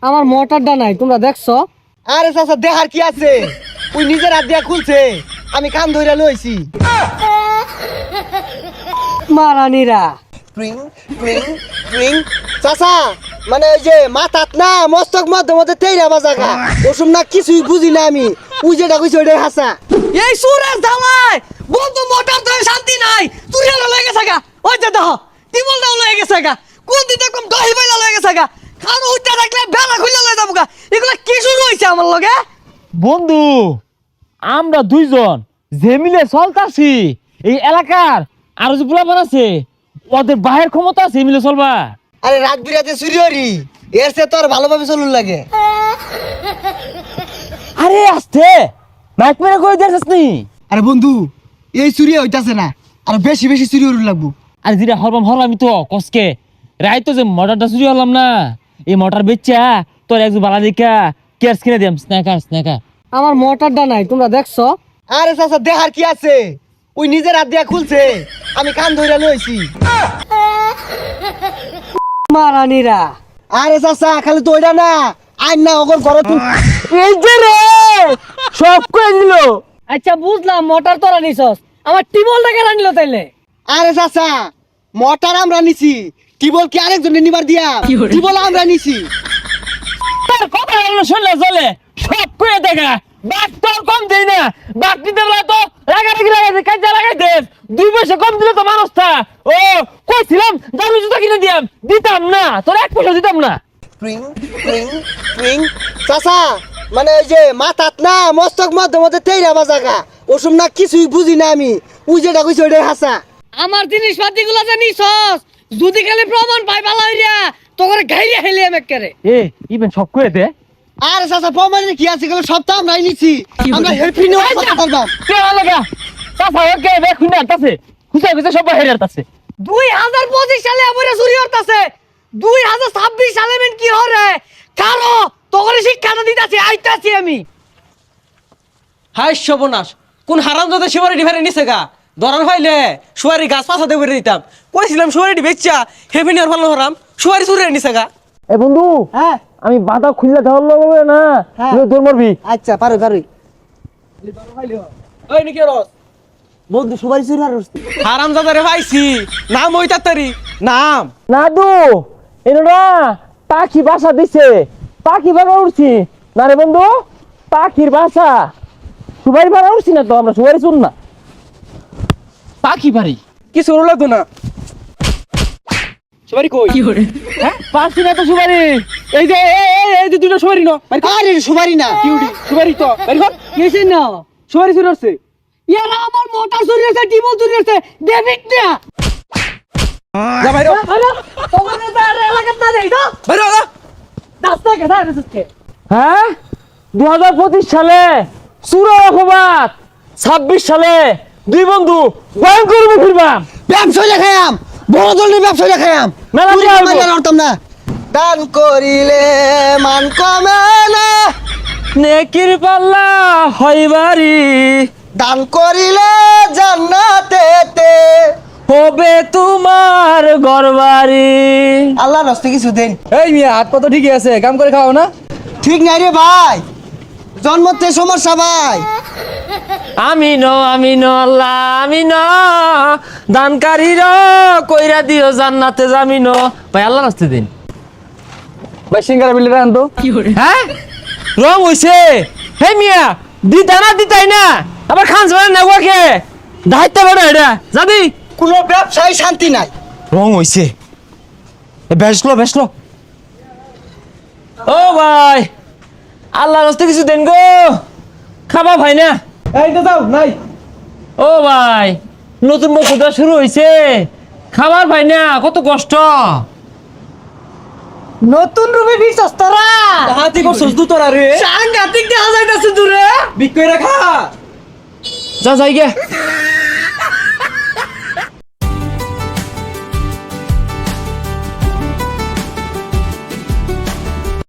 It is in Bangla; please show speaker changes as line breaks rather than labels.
আমার মোটরটা নাই, তোমরা দেখছো?
আরে চাচা দেখার কি আছে, ওই নিজের হাত দিয়া খুলছে, আমি কান ধরে লইছি।
মারানিরা
ট্রিং ট্রিং ট্রিং। চাচা মানে ওই যে মাথাত না মস্তক মধ্যে মধ্যে তেইরা বাজাগা ওসব না কিছুই বুঝি না আমি, ওই যেটা কইছে ওইটাই হাসা।
এই সুরের ধামাই বন্ধু মোটর তো শান্তি নাই, তুই হলো লয়ে গেছে গা। ওই যে দেখো টিবলটাও লয়ে গেছে গা, কোন দিন দেখম দহি বাইলা লয়ে গেছে গা, খান উঠতে থাকলে বেলা খুলে লয়ে যাবো গা। এগুলা কি শুরু হইছে আমার লগে?
বন্ধু আমরা দুইজন যে মিলে চলতাছি এই এলাকার আরো যে পোলাপান আছে ওদের বাহের ক্ষমতা আছে মিলে চলবা।
আরে রাত বিরাতে চুরি হরি, এর সে তোর ভালোভাবে চলুন লাগে।
আরে আসতে মাইক মেরে কই দেখছিস নি?
আরে বন্ধু এই চুরি হইতাছে না, আর বেশি বেশি চুরি হরুন লাগবো।
আরে যেটা হরলামই তো কসকে রাই তো যে মোটরটা চুরি হলাম না, এই মোটর বেচা তোর একজন বালা দেখা কেয়ার কিনে দিলাম স্ন্যাকার স্ন্যাকার।
আমার মোটরটা নাই, তোমরা দেখছো?
আরে চাচা দেখার কি আছে, ওই নিজের হাত দিয়া খুলছে, আমি কান ধরে লইছি।
মারানিরা
আরে চাচা খালি তো ওইটা না, আইন না ওগর ঘরে তুই।
এই যে রে সব কই দিল।
আচ্ছা বুঝলাম মোটর তোরা নিছস, আমার টিবলটা কেন নিল তাইলে?
আরে চাচা মোটর আমরা নিছি, টিবল কি আরেকজনে নিবার দিয়া? টিবল আমরা নিছি।
তোর কথা হলো শুনলে চলে, সব কই দেখা বাক তোর কম দেই না, বাক দিতে বলা তো লাগাই কাজে লাগাই দে, 2 পয়সা কম দিলে তো মানুষটা। ও কইছিলাম দামি জুতা কিনে দিয়াম, দিতাম না, তোর 1 পয়সা দিতাম না।
ট্রিং ট্রিং ট্রিং। চাচা মানে ওই যে মাথাত না মস্তক মধ্যে মধ্যে তেইরা বাজাগা ওসব না কিছুই বুঝি না আমি, ওই যেটা কইছে ওইটাই হাসা।
আমার জিনিসপাতি গুলো যে নিছস, যদি খালি প্রমাণ পাই ভালো হইরা তো করে গাইরে হেলে আমি করে।
এ ইভেন সব কই দে।
আরে চাচা প্রমাণে কি আছে, গেল সব তো আমরাই নিছি, আমরা হেল্পিং কথা বলবাম।
কে লাগা সাফা ওকে বে খুনা তাছে খুশা খুশা সব বাইরে তাছে।
2025 সালে আমরা চুরি হতাছে, 2026 সালে মেন কি হরে কারো তোরে শিক্ষাটা দিতাছি আইতাছি আমি।
হাই সর্বনাশ, কোন হারামজাদা সুপারিটি ফেরে নিছে গা, ধরার হইলে সুপারি গাছ পাছাতে করে দিতাম। কইছিলাম সুপারিটি বেচ্চা হেভি নিয়ার ভালো হরাম, সুপারি চুরি নিছে গা।
এ বন্ধু
হ্যাঁ
আমি বাধা খুললে ধরল হবে না,
হ্যাঁ।
তুই দৌড় মারবি।
আচ্ছা পারো পারোই।
ওই নাকি রস
বন্ধু সবাই চুরি আর
হারামজাদা রে ভাইছি, নাম ওই তাড়াতাড়ি নাম।
নাদু এনোরা পাখি বাসা দিছে, পাখি বাসা উঠছি না রে বন্ধু, পাখির বাসা সুবারি বাসা উঠছি না তো, আমরা সুবারি শুন না পাখি বাড়ি
কিছু হলো তো না, সুপারি কই?
হ্যাঁ পাচ্ছি না তো সুবারি। এই যে এই যে দুটো সুবারি ন
আরে সুপারি না
কিউটি সুপারি তো বাড়ি কর,
কেছেন না
সুপারি চুরি হচ্ছে।
ইয়ারা আমার মোটর চুরি হচ্ছে, টিবল চুরি হচ্ছে, ডেভিড না
যা বাইরে
তোরে তার এলাকাত না দেই তো
বাইরে যা।
রাস্তা কে দাঁড়া আছে।
হ্যাঁ 2025 সালে সুরা অপবাদ, 26 সালে দুই বন্ধু ভয়ঙ্কর ফিরবাম।
ব্যবসা দেখায়াম, বড় ধরনের ব্যবসা দেখায়াম,
মেলা
চুরি
দিয়া হইবো।
করলে লড়তাম না। দান করিলে মান কমে না,
নেকির পাল্লা হইবারি
দান করিলে জান্নাতেতে।
হবে তোমার ঘরবাড়ি।
আল্লাহ রাস্তে কিছু দেন।
এই মিয়া হাত পা তো ঠিকই আছে, কাম করে খাও না।
ঠিক নাই রে ভাই, জন্মতে সমস্যা ভাই।
আমিন আল্লাহ আমিন, দানকারীর কইরা দিও জান্নাতে জামিন। ভাই আল্লাহ রাস্তে দিন
ভাই সিঙ্গারা বিলে রান তো।
হ্যাঁ রং হইছে। হে মিয়া দিতাই না আবার খান যাবে না ওকে দায়িত্ব বড় এটা যাবি।
কোনো ব্যবসায় শান্তি নাই।
রং হইছে বেসলো ও ভাই আল্লাহ রাস্তে কিছু দেন গো, খাবা ভাই না।
এই তো যাও নাই।
ও ভাই নতুন বছরটা শুরু হইছে, খাবার ভাই না কত কষ্ট।
নতুন রূপে নিছস তোরা,
হাতি করছস দু তোরা রে,
সাংঘাতিক দেখা যাইতাছে দূরে।
বিক্রি রাখা।
যা যাই গে